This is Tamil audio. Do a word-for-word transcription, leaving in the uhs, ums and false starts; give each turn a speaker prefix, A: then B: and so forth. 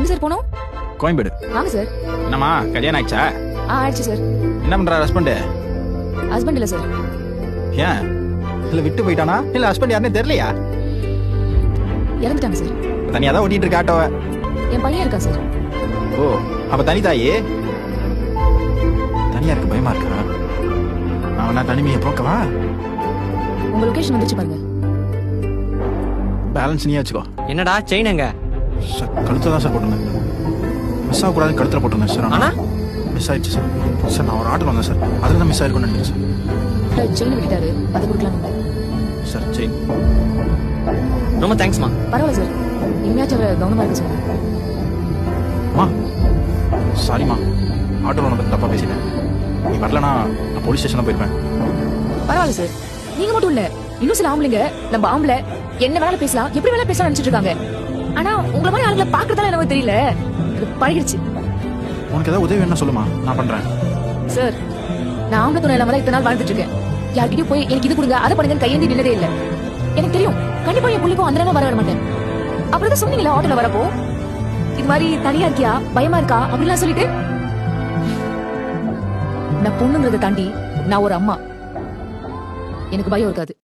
A: எங்க சார் போனோம்?
B: கோயம்பேடு.
A: வாங்க சார்.
B: என்னம்மா கல்யாணம் ஆயிடுச்சா?
A: ஆ ஆயிடுச்சு சார்.
B: என்ன பண்ற ஹஸ்பண்ட்?
A: ஹஸ்பண்ட் இல்ல சார்.
B: ஏன் இல்ல விட்டு போயிட்டானா இல்ல ஹஸ்பண்ட் யாருன்னே தெரியலையா?
A: இறந்துட்டாங்க சார்.
B: தனியா தான் ஓட்டிட்டு இருக்க ஆட்டோவை.
A: என் பையன் இருக்கா சார்.
B: ஓ அப்ப தனி தாயே? தனியா இருக்க பயமா இருக்கா? அவனா தனிமையை போக்கவா?
A: உங்க லொகேஷன் வந்துச்சு பாருங்க.
B: பேலன்ஸ் நீயே வச்சுக்கோ.
C: என்னடா செயின் எங்க?
B: சார் கழுத்துல தான் சார் போட்டிருந்தேன். மிஸ் ஆகக்கூடாதுன்னு கழுத்துல போட்டிருந்தேன் சார்.
C: ஆனா
B: மிஸ் ஆயிடுச்சு சார். சார் நான் ஒரு ஆட்டோ வந்தேன் சார், அதில் தான் மிஸ் ஆயிருக்கும்னு நினைக்கிறேன் சார்.
A: செயின் விட்டுட்டாரு, அதை கொடுக்கலாம்
B: சார். செயின்
C: ரொம்ப தேங்க்ஸ்மா.
A: பரவாயில்ல சார், இனிமேச்சும் அவரை கவனமா இருக்க சொல்லுங்க.
B: அம்மா சாரிம்மா, ஆட்டோவில் வந்து தப்பா பேசிட்டேன். நீ வரலனா நான் போலீஸ் ஸ்டேஷன் போயிருப்பேன்.
A: பரவாயில்ல சார், நீங்க மட்டும் இல்ல, இன்னும் சில ஆம்பளைங்க நம்ம ஆம்பளை என்ன வேணாலும் பேசலாம், எப்படி வேணாலும் பேசலாம் நினைச்சிட்டு இருக்காங்க. ஆனா உங்களை மாதிரி ஆளுங்களை பாக்குறதால எனக்கு தெரியல, பழகிடுச்சு.
B: உனக்கு ஏதாவது உதவி வேணா சொல்லுமா, நான் பண்றேன்.
A: சார் நான் ஆம்பளை துணை இல்லாம தான் இத்தனை நாள் வாழ்ந்துட்டு இருக்கேன். யார்கிட்டயும் போய் எனக்கு இது கொடுங்க அதை பண்ணுங்கன்னு கையேந்தி நின்னதே இல்ல. எனக்கு தெரியும் கண்டிப்பா என் புள்ளிக்கும் அந்த நேரம் வர வர மாட்டேன். அப்புறம் தான் சொன்னீங்களா ஆட்டோல வரப்போ இது மாதிரி தனியா இருக்கியா பயமா இருக்கா அப்படிலாம் சொல்லிட்டு, நான் பொண்ணுங்கிறத தாண்டி நான் ஒரு அம்மா, எனக்கு பயம் இருக்காது.